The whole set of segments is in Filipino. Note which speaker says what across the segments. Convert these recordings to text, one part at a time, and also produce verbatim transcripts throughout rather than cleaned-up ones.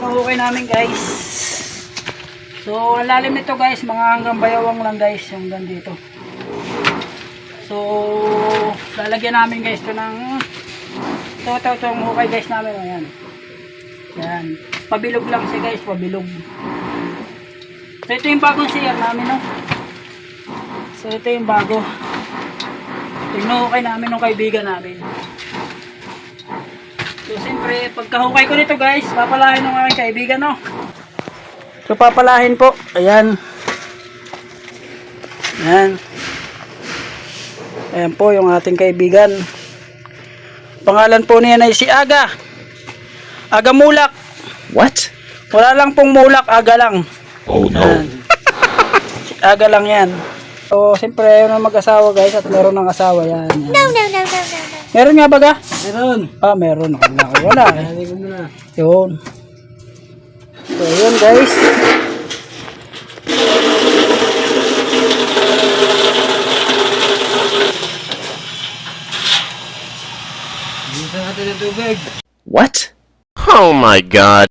Speaker 1: inuukay namin guys. So, ang lalim nito guys, mga hanggang bayawang lang guys, yung hanggang dito. So, lalagyan namin guys ito ng ito, ito, ito, ang hukay guys namin. Ayan. Ayan. Pabilog lang siya guys, pabilog. So, ito yung bagong C R namin, no? So, ito yung bago. Ito yung hukay namin ng kaibigan namin. So, siyempre, pagkahukay ko nito guys, papalahin ng aking kaibigan, no? So, papalahin po. Ayan. Ayan. Ayan po yung ating kaibigan. Pangalan po niya ay si Aga. Aga Mulak.
Speaker 2: What?
Speaker 1: Wala lang pong mulak, Aga lang.
Speaker 2: Oh no.
Speaker 1: Ayan. Si Aga lang yan. So, siyempre, yun ang mag-asawa guys at meron ng asawa yan. Yan.
Speaker 3: No, no, no, no, no, no.
Speaker 1: Meron nga ba ga?
Speaker 4: Meron.
Speaker 1: Ah, meron. Wala, wala eh.
Speaker 4: Hindi ko muna.
Speaker 1: Yun. So, yun guys.
Speaker 4: Bisa natin ng tubig.
Speaker 2: What? Oh my god.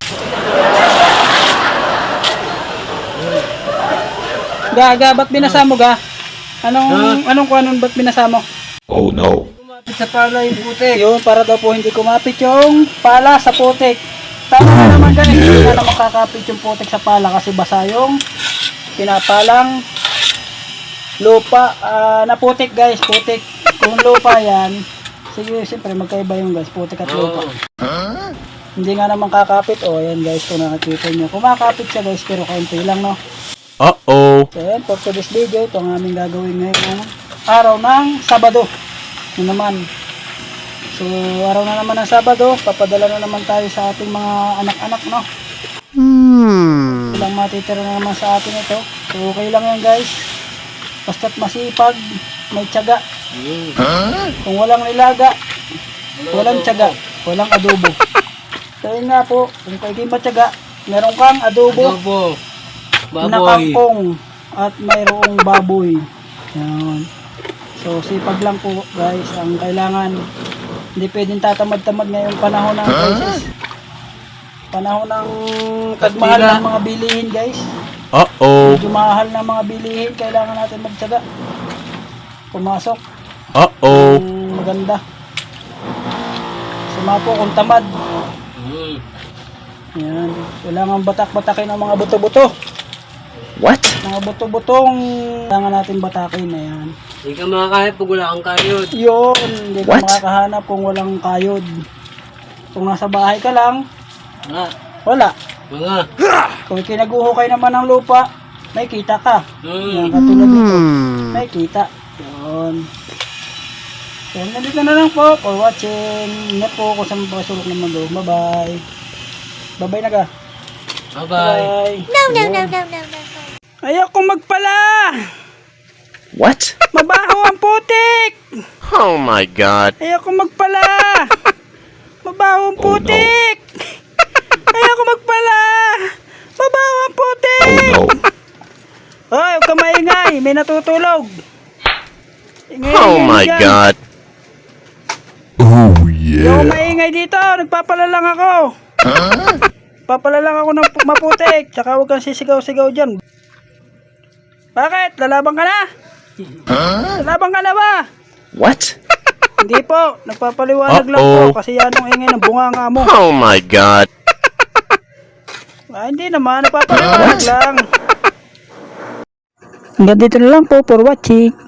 Speaker 1: Ga, ga, ba't binasa mo ga? Anong, anong kuhanon ba't binasa mo?
Speaker 2: Oh no.
Speaker 4: Kumapit sa pala yung putik.
Speaker 1: Yun, para daw po hindi kumapit yung pala sa putik. Tama na naman guys, hindi na naman kakapit yung putik sa pala kasi basa yung pinapalang lupa. Uh, na putik guys, putik. Kung lupa yan, sige, siyempre magkaiba yung guys, putik at lupa.
Speaker 2: Huh?
Speaker 1: Hindi nga naman kakapit. O, yan guys, kung nakakita nyo. Kumakapit siya guys, pero kaunti lang, no?
Speaker 2: Uh-oh.
Speaker 1: So, yan, for today's video, ito ang aming gagawin ngayon araw ng Sabado. Yun naman. So, araw na naman ng Sabado, papadala na naman tayo sa ating mga anak-anak, no?
Speaker 2: Hmm.
Speaker 1: Ilang matitira na naman sa atin ito. So, okay lang yan guys. Basta't masipag, may tiyaga.
Speaker 2: Huh?
Speaker 1: Kung walang nilaga, walang tiyaga, walang adobo. So, yun nga po, kung kayo di matyaga, meron kang adobo,
Speaker 4: Adobo.
Speaker 1: na
Speaker 4: Baboy.
Speaker 1: kangkong, at mayroong baboy. Yan. So, sipag lang po guys, ang kailangan. Hindi pwedeng tatamad-tamad ngayong panahon ng crisis. Panahon ng tagmahal ng mga bilihin guys.
Speaker 2: Uh-oh.
Speaker 1: Medyo mahal ng mga bilihin, kailangan natin magtyaga. Pumasok.
Speaker 2: Uh-oh.
Speaker 1: Ang maganda. Suma po kung tamad.
Speaker 4: Hmm.
Speaker 1: Yan. Kailangan batak-batakin ang mga buto-buto.
Speaker 2: What?
Speaker 1: Mga buto-butong kailangan natin batakin. Ayan.
Speaker 4: Hindi ka makakahit pag wala kang kayod.
Speaker 1: Yun. Hindi ka
Speaker 2: What?
Speaker 1: makakahanap kung walang kayod. Kung nasa bahay ka lang,
Speaker 4: Ah,
Speaker 1: wala.
Speaker 4: mga.
Speaker 1: Kung kinaguhukay naman ng lupa, may kita ka. Yan,
Speaker 4: Hmm.
Speaker 1: katulad nito.
Speaker 2: Hmm.
Speaker 1: May kita. Yun. So, nandito na lang po for watching. Ingat po kung saan pasulok ng mundo. Bye-bye. Bye-bye na ka.
Speaker 4: Bye-bye.
Speaker 3: No, no, no, no, no, no, no.
Speaker 1: Ayoko magpala!
Speaker 2: What?
Speaker 1: Mabaho ang putik!
Speaker 2: Oh my god.
Speaker 1: Ayoko magpala! Mabaho ang putik! Ayoko magpala! Mabaho ang putik!
Speaker 2: Oh no.
Speaker 1: Hoy, huwag ka maingay! May natutulog! Ingay,
Speaker 2: Oh
Speaker 1: ingay
Speaker 2: my
Speaker 1: dyan.
Speaker 2: god. Oh
Speaker 1: Ayoko
Speaker 2: yeah.
Speaker 1: maingay dito! Nagpapala lang ako!
Speaker 2: Huh?
Speaker 1: Papala lang ako ng pu- maputik! Tsaka huwag kang sisigaw-sigaw dyan! Bakit? Lalaban ka na?
Speaker 2: Huh?
Speaker 1: Lalaban ka na ba?
Speaker 2: What?
Speaker 1: Hindi po, nagpapaliwanag lang
Speaker 2: Uh-oh.
Speaker 1: po kasi yan ang ingay ng bunganga mo.
Speaker 2: Oh my god.
Speaker 1: Ah, hindi naman, nagpapaliwanag
Speaker 2: What?
Speaker 1: lang. Hanggang dito na lang po for watching.